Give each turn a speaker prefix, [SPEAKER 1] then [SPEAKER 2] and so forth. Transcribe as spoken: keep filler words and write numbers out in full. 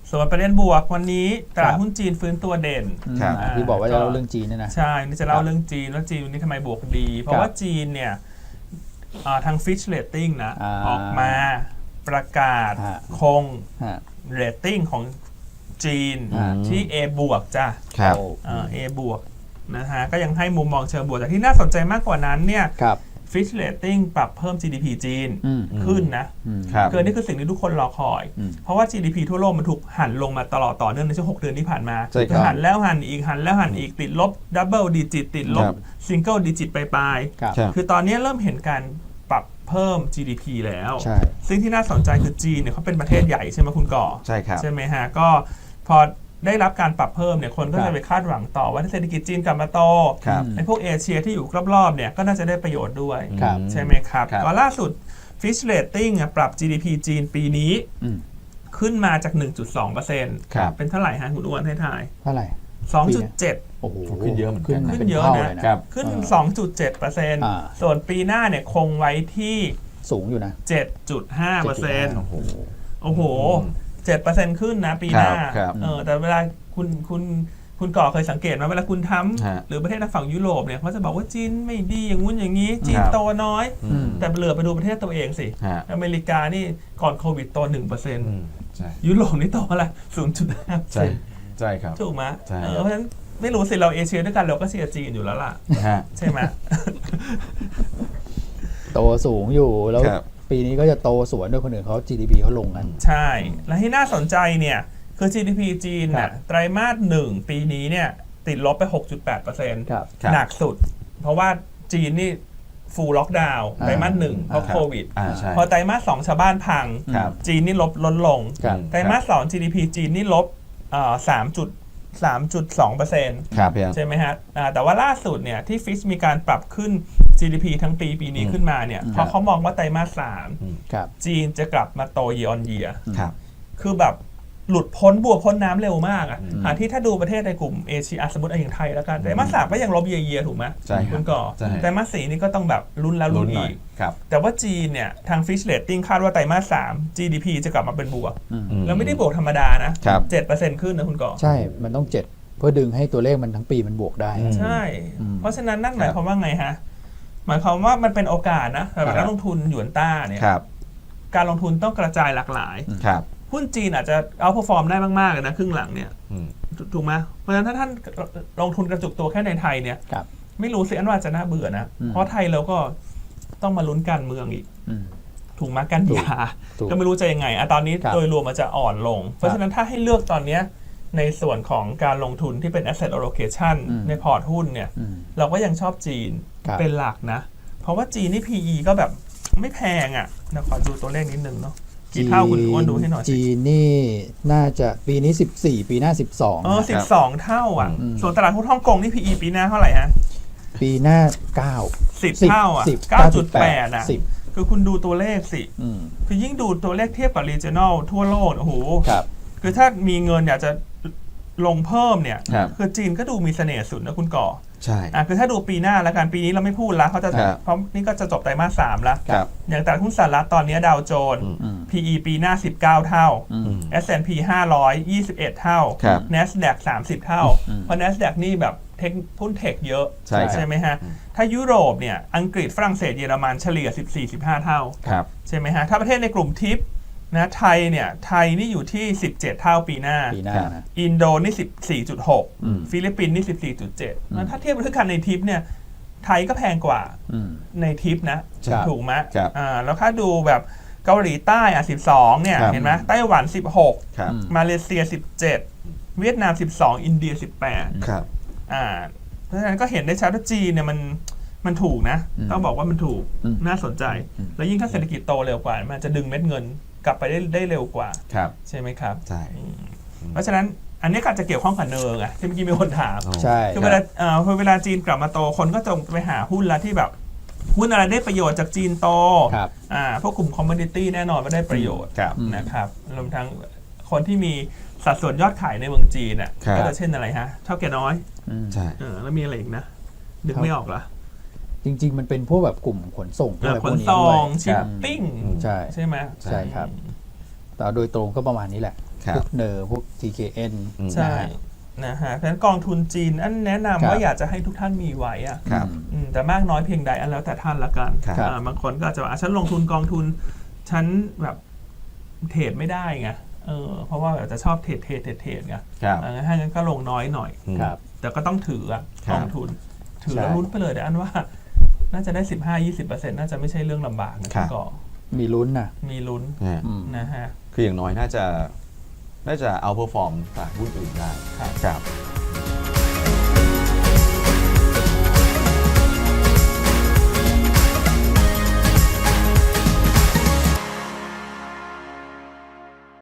[SPEAKER 1] ส่วนประเด็นบวกวันนี้ตลาดหุ้นจีนฟื้นตัวเด่น
[SPEAKER 2] ที่บอกว่าจะเล่าเรื่องจีนนี่นะ
[SPEAKER 1] ใช่นี่จะเล่าเรื่องจีนว่าจีนวันนี้ทำไมบวกดีเพราะว่าจีนเนี่ยทาง Fitch Rating นะออกมาประกาศคง rating ของจีนที่ A บวกจ้ะ A บวกนะฮะก็ยังให้มุมมองเชิงบวกแต่ที่น่าสนใจมากกว่านั้นเนี่ยFitch Rating ปรับเพิ่ม จี ดี พี จีนขึ้นนะเกินนี่คือสิ่งที่ทุกคนรอคอยเพราะว่า จี ดี พี ทั่วโลกมันถูกหันลงมาตลอดต่อเนื่องในช่วงหกเดือนที่ผ่านมาหันแล้วหันอีกหันแล้วหันอีกติดลบดับเบิลดิจิตติดลบซิงเกิลดิจิตไปปลายคือตอนนี้เริ่มเห็นการปรับเพิ่ม จี ดี พี แล้วซึ่งที่น่าสนใจคือจีนเนี่ยเขาเป็นประเทศใหญ่ใช่ไหมคุณก่อ
[SPEAKER 3] ใช่ครับ
[SPEAKER 1] ใช่ไหมฮะก็พอได้รับการปรับเพิ่มเนี่ยคนก็จะไปคาดหวังต่อว่าเศรษฐกิจจีนกลับมาโตไอ้พวกเอเชียที่อยู่รอบๆเนี่ยก็น่าจะได้ประโยชน์ด้วยใช่ไหมครับก็ล่าสุด Fitch Rating ปรับ จี ดี พี จีนปีนี้ขึ้นมาจาก หนึ่งจุดสองเปอร์เซ็นต์ เป็นเท่าไหร่ฮะคุณอ้วนให้ทาย
[SPEAKER 2] เท่าไหร่
[SPEAKER 1] สองจุดเจ็ด
[SPEAKER 2] โอ้โห
[SPEAKER 3] ขึ้นเยอะเหมือนกัน
[SPEAKER 1] ขึ้นเยอะนะขึ้น สองจุดเจ็ดเปอร์เซ็นต์ ส่วนปีหน้าเนี่ยคงไว้ที่
[SPEAKER 2] สูงอยู่นะ
[SPEAKER 1] เจ็ดจุดห้าเปอร์เซ็นต์ โอ้โหโอ้โหเจ็ดเปอร์เซ็นต์ ขึ้นนะปีหน้าเออแต่เวลาคุณคุณคุณก่อเคยสังเกตไหมเวลาคุณทำหรือประเทศทางฝั่งยุโรปเนี่ยเขาจะบอกว่าจีนไม่ดีอย่างงู้นอย่างนี้จีนโตน้อยแต่เหลือไปดูประเทศตัวเองสิอเมริกานี่ก่อนโควิดโต หนึ่งเปอร์เซ็นต์ ยุโรปนี่โตอะไร ศูนย์จุดห้าเปอร์เซ็นต์
[SPEAKER 3] ใช่ครับ
[SPEAKER 1] ถูกไหมเพราะฉะนั้นไม่รู้สิเราเอเชียด้วยกันเราก็เชียร์จีนอยู่แล้วล่ะใช่ไหม
[SPEAKER 2] โตสูงอยู่แล้วปีนี้ก็จะโตสวนด้วยคนอื่นเขา จี ดี พี เขาลงกัน
[SPEAKER 1] ใช่และที่น่าสนใจเนี่ยคือ จี ดี พี จีนน่ะไตรมาสหนึ่งปีนี้เนี่ยติดลบไป หกจุดแปดเปอร์เซ็นต์ หนักสุดเพราะว่าจีนนี่ฟูลล็อกดาวน์ไตรมาสหนึ่งเพราะโควิดพอไตรมาสสองชาวบ้านพังจีนนี่ลบลดลงไตรมาสสอง จี ดี พี จีนนี่ลบสามจุดสามจุดสองเปอร์เซ็นต์ใช่ไหมฮะแต่ว่าล่าสุดเนี่ยที่ฟิชมีการปรับขึ้น จี ดี พี ทั้งปีปีนี้ขึ้นมาเนี่ยเพราะเขามองว่าไตรมาสสามจีนจะกลับมาโต year on year คือแบบหลุดพ้นบัวพ้นน้ำเร็วมากอ่ะหาที่ถ้าดูประเทศในกลุ่มเอเชียสมมติอย่างไทยแล้วกันแต่มาสามก็ยังลบเยียๆถูกไหม
[SPEAKER 3] ใช่
[SPEAKER 1] คุณก่อแต่มาสี่นี่ก็ต้องแบบลุ้นแล้วลุ้นอีกแต่ว่าจีนเนี่ยทาง Fitch Rating คาดว่าไตรมาสสาม จี ดี พี จะกลับมาเป็นบวกแล้วไม่ได้บวกธรรมดานะ เจ็ดเปอร์เซ็นต์ ขึ้นนะคุณก่อ
[SPEAKER 2] ใช่มันต้องเจ็ดเพื่อดึงให้ตัวเลขมันทั้งปีมันบวกได้
[SPEAKER 1] ใช่เพราะฉะนั้นนั่นหมายความว่าไงฮะหมายความว่ามันเป็นโอกาสนะสำหรับนักลงทุนหยวนต้าเนี่ยการลงทุนต้องกระจายหลากหลายหุ้นจีนอาจจะเอาพอฟอร์มได้มากๆเลยนะครึ่งหลังเนี่ยถูกไหมเพราะฉะนั้นถ้าท่านลงทุนกระจุกตัวแค่ในไทยเนี่ยไม่รู้สิอันว่าจะน่าเบื่อนะเพราะไทยเราก็ต้องมาลุ้นการเมืองอีกถูกไหมกันยาก็ไม่รู้จะยังไงอะตอนนี้โดยรวมมันจะอ่อนลงเพราะฉะนั้นถ้าให้เลือกตอนนี้ในส่วนของการลงทุนที่เป็น asset allocation ในพอร์ตหุ้นเนี่ยเราก็ยังชอบจีนเป็นหลักนะเพราะว่าจีนนี่ พี อี ก็แบบไม่แพงอ่ะนะขอดูตัวเลขนิดนึงเนาะกี่เท่าคุณอ้วนดูให้หน่อย
[SPEAKER 2] จีนนี่น่าจะปีนี้สิบสี่ปีหน้าสิบสอง
[SPEAKER 1] เออสิบสองเท่าอ่ะส่วนตลาดหุ้นฮ่องกงนี่ พี อี ปีหน้าเท่าไหร่ฮะ
[SPEAKER 2] ปีหน้าเก้า
[SPEAKER 1] สิบเท่าอ่ะ เก้าจุดแปด อ่ะคือคุณดูตัวเลขสิคือยิ่งดูตัวเลขเทียบกับ regional ทั่วโลกโอ้โหคือถ้ามีเงินอยากจะลงเพิ่มเนี่ยคือจีนก็ดูมีเสน่ห์สุดนะคุณก่อ
[SPEAKER 3] ใช่
[SPEAKER 1] อ่ะคือถ้าดูปีหน้าแล้วกันปีนี้เราไม่พูดแล้วเขาจะเพราะนี่ก็จะจบไตรมาสสามแล้วอย่างตลาดหุ้นสหรัฐตอนนี้ดาวโจนส์ พี อี ปีหน้าสิบเก้าเท่า เอส แอนด์ พี ห้าร้อยยี่สิบเอ็ดเท่า NASDAQ สามสิบเท่าเพราะ NASDAQ นี่แบบเทคหุ้นเทคเยอะใช่ไหมฮะถ้ายุโรปเนี่ยอังกฤษฝรั่งเศสเยอรมันเฉลี่ย สิบสี่ สิบห้า เท่าใช่ไหมฮะถ้าประเทศในกลุ่มทิปนะไทยเนี่ยไทยนี่อยู่ที่สิบเจ็ดเท่าปีหน้าอินโดนี่ สิบสี่จุดหก ฟิลิปปินส์นี่ สิบสี่จุดเจ็ด ถ้าเทียบด้วยกันในทิปเนี่ยไทยก็แพงกว่าในทิปนะถูกไหมอ่าแล้วถ้าดูแบบเกาหลีใต้อ่ะสิบสองเนี่ยเห็นไหมไต้หวันสิบหกมาเลเซียสิบเจ็ดเวียดนามสิบสองอินเดียสิบแปด
[SPEAKER 3] ครับ
[SPEAKER 1] อ่าเพราะฉะนั้นก็เห็นได้ชัดว่าจีนเนี่ยมันมันถูกนะต้องบอกว่ามันถูกน่าสนใจแล้วยิ่งถ้าเศรษฐกิจโตเร็วกว่ามันจะดึงเม็ดเงินกลับไปได้ได้เร็วกว่าใช่ไหมครับ
[SPEAKER 3] ใช่
[SPEAKER 1] เพราะฉะนั้นอันนี้ก็จะเกี่ยวข้องกับเนิร์งอะที่เมื่อกี้มีคนถาม
[SPEAKER 2] ใช่
[SPEAKER 1] คือเวลาเอ่อเวลาจีนกลับมาโตคนก็จะไปหาหุ้นละที่แบบหุ้นอะไรได้ประโยชน์จากจีนโตอ่าพวกกลุ่มคอมมูนิตี้แน่นอนว่าได้ประโยชน์นะครับรวมทั้งคนที่มีสัดส่วนยอดขายในเมืองจีนอ่ะก็จะเช่นอะไรฮะเท่าแก่น้อย
[SPEAKER 3] ใช่
[SPEAKER 1] แล้วมีอะไรอีกนะนึกไม่ออกเหรอ
[SPEAKER 2] จริงๆมันเป็นพวกแบบกลุ่มขนส่งอะไรพวกนี้
[SPEAKER 1] ด้วยชิปปิ้ง
[SPEAKER 2] ใช่
[SPEAKER 1] ใช่ไหม
[SPEAKER 2] ใช่ครับแต่โดยตรงก็ประมาณนี้แหละพวกเนอร์พวก ที เค เอ็น
[SPEAKER 1] ใช่นะฮะเพราะฉะนั้นกองทุนจีนอันแนะนำว่าอยากจะให้ทุกท่านมีไว้อะแต่มากน้อยเพียงใดอันแล้วแต่ท่านละกันบางคนก็อาจจะว่าฉันลงทุนกองทุนฉันแบบเทรดไม่ได้ไงเออเพราะว่าแบบจะชอบเทรดเทรดเทรดเทรดไงถ้างั้นก็ลงน้อยหน่อยแต่ก็ต้องถือกองทุนถือแล้วลุ้นไปเลยแต่อันว่าน่าจะได้ สิบห้าถึงยี่สิบเปอร์เซ็นต์ น่าจะไม่ใช่เรื่องลำบากนะก็
[SPEAKER 2] มีลุ้นนะ
[SPEAKER 1] มีลุ้นนะฮะ
[SPEAKER 3] คืออย่างน้อยน่าจะน่าจะเอาเพอร์ฟอร์มจากหุ้นอื่นได้ครับ